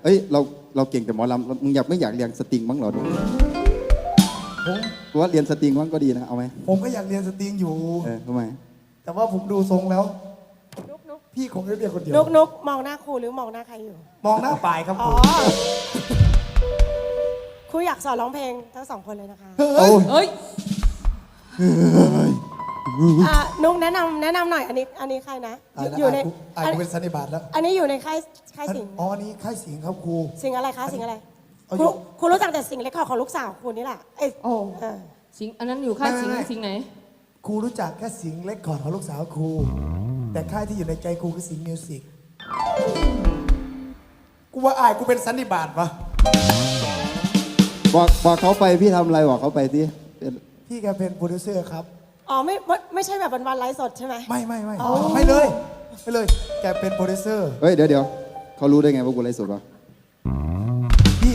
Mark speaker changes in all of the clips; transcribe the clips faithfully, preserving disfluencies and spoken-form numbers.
Speaker 1: เอ้ยเราเราเก่งแต่หมอลำมึงอยากไม่อยากเรียนสตริงบ้างเหรอดู
Speaker 2: ผม
Speaker 1: ว่าเรียนสตริงบ้างก็ดีนะเอาไหม
Speaker 2: ผมก็อยากเรียนสตริงอยู่
Speaker 1: เออทำไม
Speaker 2: แต่ว่าผมดูทรงแล้ว
Speaker 3: นุกนุก
Speaker 2: พี่คงจะเรียนคนเดียว
Speaker 3: นุกนุกมองหน้าครูหรือมองหน้าใครอยู่
Speaker 2: มองหน้าปลายครับ
Speaker 3: อ๋
Speaker 2: ผ
Speaker 3: อ
Speaker 2: ม
Speaker 3: ครูอยากสอนร้องเพลงทั้งสองคนเลยนะคะ
Speaker 1: โอ้ย
Speaker 4: เอ้ย
Speaker 3: อ่ะนุกแนะนำแนะนำหน่อยอันนี้อันนี้ใครนะ
Speaker 2: ตายแล้ว
Speaker 3: อยู่ใน
Speaker 2: อ่าน
Speaker 3: อัน
Speaker 2: กูเป็นสันนิบาตแล้ว
Speaker 3: อันนี้อยู่ในค่ายค่ายสิงห์
Speaker 2: อ๋ออันนี้ค่ายสิงห์ครับครู
Speaker 3: สิงห์อะไรคะสิงห์อะไร
Speaker 2: เอา
Speaker 3: ครู
Speaker 2: อยู่
Speaker 3: ครูรู้จักแต่สิงห์เล็กคอร์ดของลูกสาวครูนี่แหละเอ้ย
Speaker 4: โอ้
Speaker 3: เออ
Speaker 4: สิงอันนั้นอยู่ค่ายสิง
Speaker 2: ไม่ไม่ไม่
Speaker 4: สิงไหน
Speaker 2: ครูรู้จักแค่สิงห์เล็กก่อนของลูกสาวครู แต่ค่ายที่อยู่ในใจครูคือสิงห์มิวสิกกูว่าอายกูเป็นสันนิบาตปะ
Speaker 1: บอกบอกเขาไปพี่ทำอะไรบอกเขาไปที่
Speaker 2: พี่แกเป็นโปรดิวเซอร์ครับ
Speaker 3: อ๋อไม่ไม่ไม่ใช่แบบวันวันๆไลฟ์สดใช่ไหม
Speaker 2: ไม่ไม่ไม่
Speaker 3: อ๋อ
Speaker 2: ไม่เลยไม่เลย แกเป็นโปรดิวเซอร์
Speaker 1: เฮ้ยเดี๋ยวเดี๋ยวเขารู้ได้ไงว่ากูไลฟ์สดวะ
Speaker 2: พี่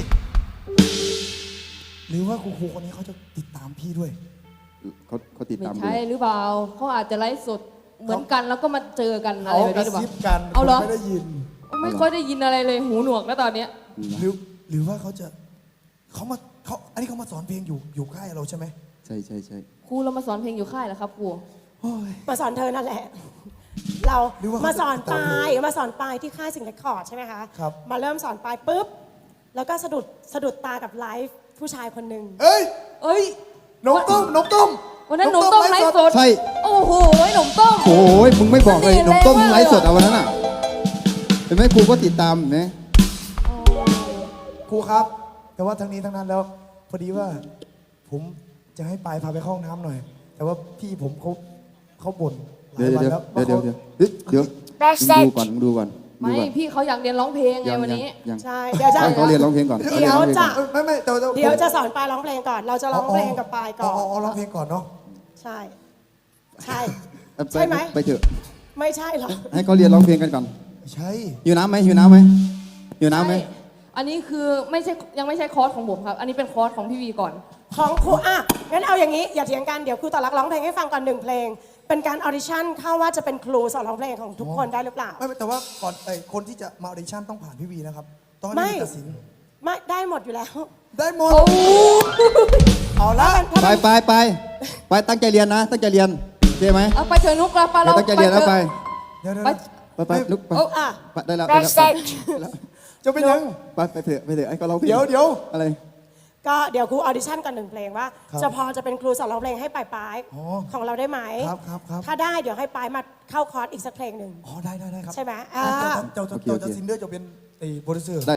Speaker 2: หรือว่าครูครูคนนี้เขาจะติดตามพี่ด้วย
Speaker 1: เขาเขาติด
Speaker 4: ไม่
Speaker 1: ตามดู
Speaker 4: ใช่หรือเปล่าเขาอาจจะไลฟ์สดเหมือนกันแล้วก็มาเจอกันอะไร
Speaker 2: เขา
Speaker 4: แบบ
Speaker 2: กระ
Speaker 4: นี้หรือเปล่า
Speaker 2: ซิบกัน
Speaker 4: เอาเหรอ
Speaker 2: ผมไม่ได้ยิน
Speaker 4: ไม่ค่อยได้ยินอะไรเลยหูหนวกแล้วตอนเนี้ย
Speaker 2: หรือหรือว่าเขาจะเขามาเขาอันนี้เขามาสอนเพลงอยู่อยู่ค่ายเราใช่ไหม
Speaker 1: ใช่ใช่ใช่
Speaker 4: ครูเรามาสอนเพลงอยู่ค่ายแล้วครับครู
Speaker 2: โอ้ย
Speaker 3: มาสอนเธอนั่นแหละ เรา
Speaker 2: หรือว่าเขา
Speaker 3: มาสอน
Speaker 2: จะติด
Speaker 3: ป
Speaker 2: ตาม
Speaker 3: ลาย
Speaker 2: เธอ
Speaker 3: มาสอนปลายที่ค่ายสิงห์เรคคอร์ดใช่ไหมคะ
Speaker 2: ครับ
Speaker 3: มาเริ่มสอนปลายปุ๊บ แล้วก็สะดุดสะดุดตากับไลฟ์ผู้ชายคนหนึ่ง
Speaker 2: เอ้ย
Speaker 4: เอ้ย
Speaker 2: นมต้มนมต้ม
Speaker 4: วันนั้นหนุ่มต้มไลฟ์สด
Speaker 1: ใช่
Speaker 4: โอ้โหหนุ่มต้ม
Speaker 1: โอ้ยมึงไม่บอกเลย
Speaker 4: มันดี
Speaker 1: หนุ่มต้ม
Speaker 4: แรงมาก
Speaker 1: ไลฟ์สดเอาวันนั้นอ่ะเห็นไหมครูก็ติดตามเห็นไหม
Speaker 2: ครูครับ แต่ว่าทั้งนี้ทั้งนั้นแล้ว พอดีว่า ผมจะให้ปายพาไปเข้าห้องน้ำหน่อย แต่ว่าพี่ผมเขาเขาบ่นหลา
Speaker 1: เดี๋ย
Speaker 2: ยว วัน
Speaker 1: เดี๋ยว
Speaker 2: แล้ว
Speaker 1: เดี๋ยวเดี๋ยว
Speaker 2: ว่า
Speaker 1: เดี๋ยวเฮ้ยเดี๋ยวมึงดูก่อนมึงดูก่อนดู
Speaker 4: ไม่
Speaker 1: ก่อน
Speaker 4: พี่เขาอยากเรียนร้องเพลงไง
Speaker 1: ยัง
Speaker 4: วัน
Speaker 1: ยัง
Speaker 4: นี้
Speaker 1: ยัง
Speaker 3: ใช่ เดี๋ยวจะ
Speaker 1: ให้เขาเรียนร้องเพลงก่อน
Speaker 3: เดี๋ยวจะ
Speaker 2: เอ้ยไม่ไม่แต่แต่
Speaker 3: เดี๋ยวจะสอนปลายร้องเพลงก่อน เราจะร้องเพลงกับปลายก่อน
Speaker 2: อ๋อร้องเพลงก่อนเนาะ
Speaker 3: ใช่ ใช่
Speaker 1: เออป
Speaker 3: ใช่ไหม
Speaker 1: ไปเถอะ
Speaker 3: ไม่ใช่หรอก
Speaker 1: ให้เขาเรียนร้องเพลงกันก่อน
Speaker 2: ใช่
Speaker 1: หิวน้ำไหมหิวน้ำไหมหิวน้ำไหม
Speaker 4: ใช่อันนี้คือไม่ใช่ยังไม่ใช่คอร์สของผมครับ อันนี้เป็นคอร์สของพี่วีก่อน
Speaker 3: ของครูอ่ะงั้นเอาอย่างนี้อย่าเถียงกันเดี๋ยวครูต่อรักร้องเพลงให้ฟังก่อนหนึ่งเพลง เป็นการออดิชั่นเข้าว่าจะเป็นครูสอนร้องเพลงของทุกคนได้หรือเปล่า
Speaker 2: ไม่ไม่แต่ว่าก่อนไอ้คนที่จะมาออดิชั่นต้องผ่านพี่วีนะครับ ต้องให้
Speaker 3: ไม่
Speaker 2: พี่วีตัดสิน
Speaker 3: ไม่ได้หมดอยู่แล้ว
Speaker 2: ได้หมดเอาละ
Speaker 1: ไปไปไปไปตั้งใจเรียนนะ ตั้งใจเรียนโอเคไหม
Speaker 4: เอาไปเถอะนุกเราไป
Speaker 1: เดี๋ย
Speaker 4: เรา
Speaker 1: วตั้งใจเรียนแล้วไป
Speaker 2: เดี๋ยวเดี๋ยว
Speaker 4: ไป
Speaker 2: เดี๋ยว
Speaker 1: ไปไปลุกไป
Speaker 3: อ่ะ
Speaker 1: ไปได้แล้วได้แล้วไปแล้ว
Speaker 2: จะเป็นยัง
Speaker 1: ไปไปเถอะไปเถอะไอ้ก็ร้องเพลง
Speaker 2: เดี๋ยวเดี๋ยว
Speaker 1: อะไร
Speaker 3: ก็เดี๋ยวครูออดิชั่นก่อนหนึ่งเพลงว่า
Speaker 2: ครับ
Speaker 3: จะพอจะเป็นครูสอนร้องเพลงให้ปลายปลายๆ
Speaker 2: อ๋อ
Speaker 3: ของเราได้ไหม
Speaker 2: ครับครับครับ
Speaker 3: ถ้าได้เดี๋ยวให้ปลายมาเข้าคอร์สอีกสักเพลงหนึ่ง
Speaker 2: อ๋อได้ได้ได้ครับ
Speaker 3: ใช่ไหมอ่า
Speaker 2: เจ้าเจ้าเจ้าเจ้าซินเดอร์จะเป็นไอ้โปรดิวเซอร์